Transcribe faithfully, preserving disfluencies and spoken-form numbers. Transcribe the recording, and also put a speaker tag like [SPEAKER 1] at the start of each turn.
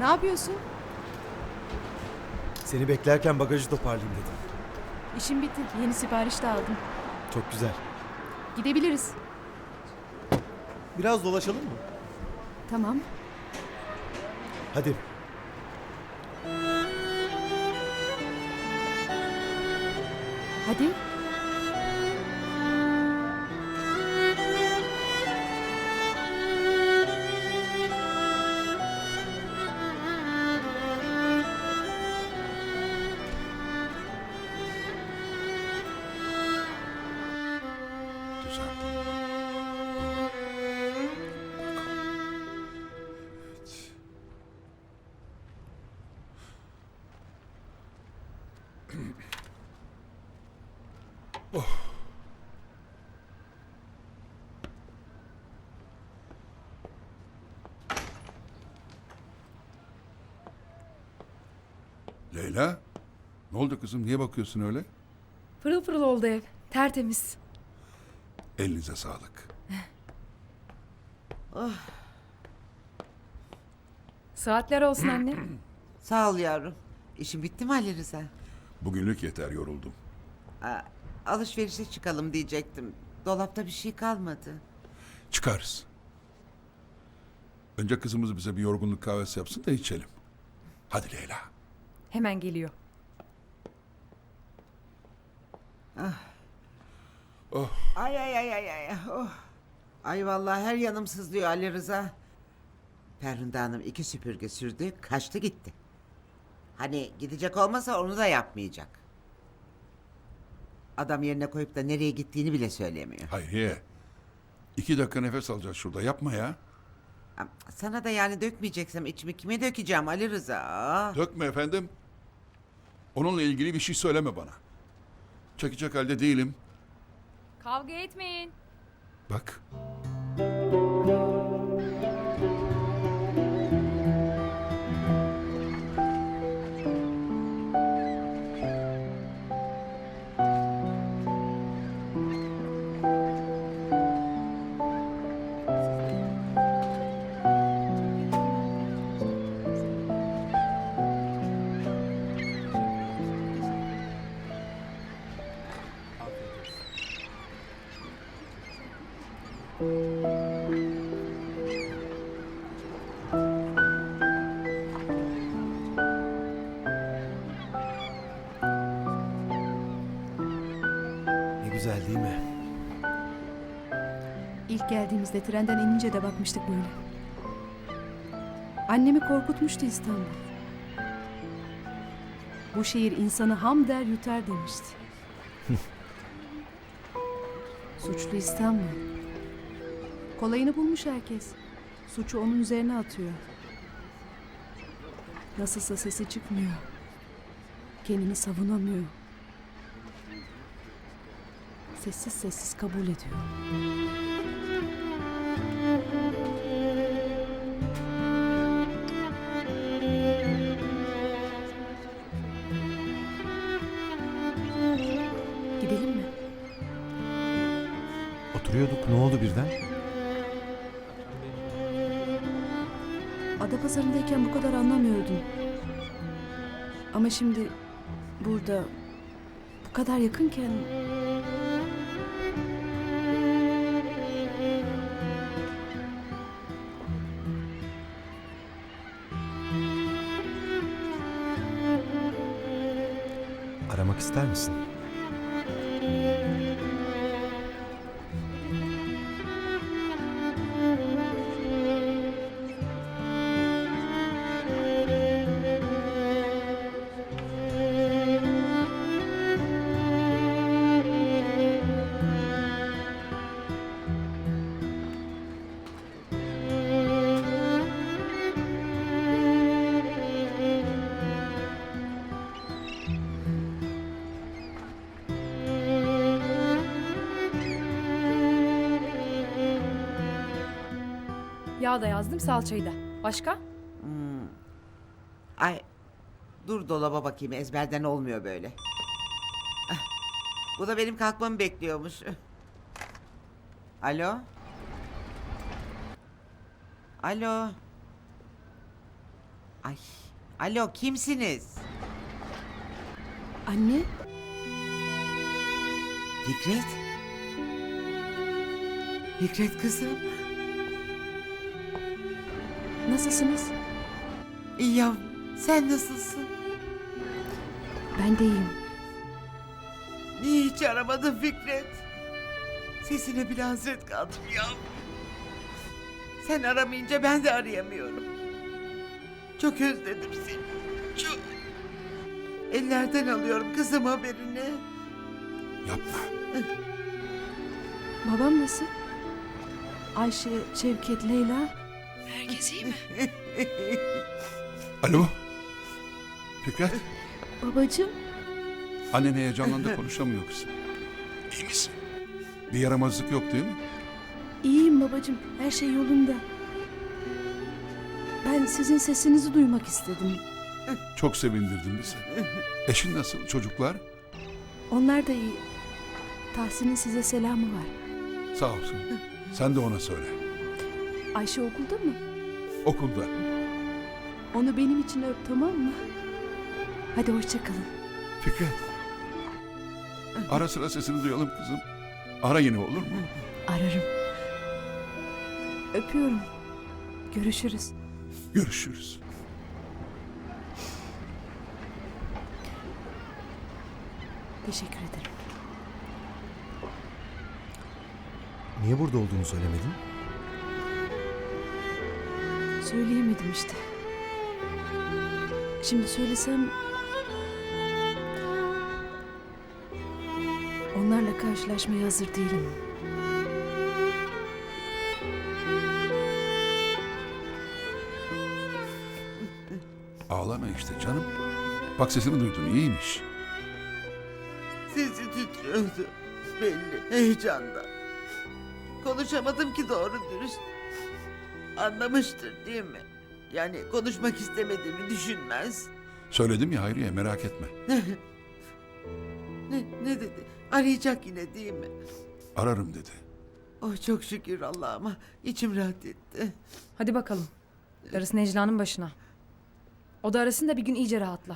[SPEAKER 1] Ne yapıyorsun?
[SPEAKER 2] Seni beklerken bagajı toparlayayım dedim.
[SPEAKER 1] İşim bitti. Yeni sipariş de aldım.
[SPEAKER 2] Çok güzel.
[SPEAKER 1] Gidebiliriz.
[SPEAKER 2] Biraz dolaşalım mı?
[SPEAKER 1] Tamam.
[SPEAKER 2] Hadi.
[SPEAKER 1] Hadi.
[SPEAKER 3] Düzeldim. Leyla, ne oldu kızım? Niye bakıyorsun öyle?
[SPEAKER 1] Pırıl pırıl oldu ev. Tertemiz.
[SPEAKER 3] Elinize sağlık.
[SPEAKER 1] Saatler olsun anne.
[SPEAKER 4] Sağ ol yavrum. İşin bitti mi Ali Rıza?
[SPEAKER 3] Bugünlük yeter, yoruldum.
[SPEAKER 4] Aa, alışverişe çıkalım diyecektim. Dolapta bir şey kalmadı.
[SPEAKER 3] Çıkarız. Önce kızımız bize bir yorgunluk kahvesi yapsın da içelim. Hadi Leyla.
[SPEAKER 1] Hemen geliyor.
[SPEAKER 4] Ay ay ay ay ay. Oh. Ay vallahi her yanım sızlıyor Ali Rıza. Ferhunde Hanım iki süpürge sürdü, kaçtı gitti. Hani gidecek olmasa onu da yapmayacak. Adam yerine koyup da nereye gittiğini bile söylemiyor.
[SPEAKER 3] Hayriye. İki dakika nefes alacağız şurada. Yapma ya.
[SPEAKER 4] Am- Sana da yani dökmeyeceksem içimi kime dökeceğim Ali Rıza? Aa.
[SPEAKER 3] Dökme efendim. Onunla ilgili bir şey söyleme bana. Çekecek halde değilim.
[SPEAKER 1] Kavga etmeyin.
[SPEAKER 3] Bak.
[SPEAKER 2] Ne güzel değil mi?
[SPEAKER 1] İlk geldiğimizde trenden inince de bakmıştık böyle. Annemi korkutmuştu İstanbul. Bu şehir insanı ham der yutar demişti. Suçlu İstanbul. Kolayını bulmuş herkes. Suçu onun üzerine atıyor. Nasılsa sesi çıkmıyor. Kendini savunamıyor. Sessiz sessiz kabul ediyor. Gidelim mi?
[SPEAKER 2] Oturuyorduk, ne oldu birden?
[SPEAKER 1] Adapazarı'ndayken bu kadar anlamıyordum. Ama şimdi burada bu kadar yakınken
[SPEAKER 2] Aramak ister misin?
[SPEAKER 1] yağ da yazdım, salçayı da. Başka?
[SPEAKER 4] Ay dur dolaba bakayım, ezberden olmuyor böyle. Ah, bu da benim kalkmamı bekliyormuş. Alo? Alo? Ay, alo kimsiniz?
[SPEAKER 1] Anne,
[SPEAKER 4] Fikret? Fikret kızım.
[SPEAKER 1] nasılsınız?
[SPEAKER 4] İyi yavrum, sen nasılsın?
[SPEAKER 1] Ben de iyiyim.
[SPEAKER 4] Niye hiç aramadın Fikret? Sesine bile hasret kaldım ya. Sen aramayınca ben de arayamıyorum. Çok özledim seni. Çok. Ellerden alıyorum kızım haberini.
[SPEAKER 3] Yapma.
[SPEAKER 1] Babam nasıl? Ayşe, Şevket, Leyla. Herkes iyi mi?
[SPEAKER 3] Alo. Fikret.
[SPEAKER 1] Babacığım.
[SPEAKER 3] Annen heyecanlandı, konuşamıyor kızım. İyi misin? Bir yaramazlık yok değil mi?
[SPEAKER 1] İyiyim babacığım. Her şey yolunda. Ben sizin sesinizi duymak istedim.
[SPEAKER 3] Çok sevindirdin bizi. Eşin nasıl? Çocuklar?
[SPEAKER 1] Onlar da iyi. Tahsin'in size selamı var.
[SPEAKER 3] Sağ olsun. Sen de ona söyle.
[SPEAKER 1] Ayşe okulda mı?
[SPEAKER 3] Okulda.
[SPEAKER 1] Onu benim için öp, tamam mı? Hadi hoşça kalın.
[SPEAKER 3] Fikret. Ara sıra sesini duyalım kızım. Ara yine olur mu?
[SPEAKER 1] Ararım. Öpüyorum. Görüşürüz.
[SPEAKER 3] Görüşürüz.
[SPEAKER 1] Teşekkür ederim.
[SPEAKER 2] Niye burada olduğunu söylemedin?
[SPEAKER 1] Söyleyemedim işte. Şimdi söylesem... Onlarla karşılaşmaya hazır değilim.
[SPEAKER 3] Ağlama işte canım. Bak sesini duydum, iyiymiş.
[SPEAKER 4] Sesi titriyordu. Belli heyecandan. Konuşamadım ki doğru dürüst. Anlamıştır değil mi? Yani konuşmak istemediğimi düşünmez.
[SPEAKER 3] Söyledim ya Hayriye, merak etme.
[SPEAKER 4] Ne, ne dedi? Arayacak yine değil mi?
[SPEAKER 3] Ararım dedi.
[SPEAKER 4] Oh çok şükür Allah'ıma. İçim rahat etti.
[SPEAKER 5] Hadi bakalım. Darısı Necla'nın başına. O da arasın da bir gün iyice rahatla.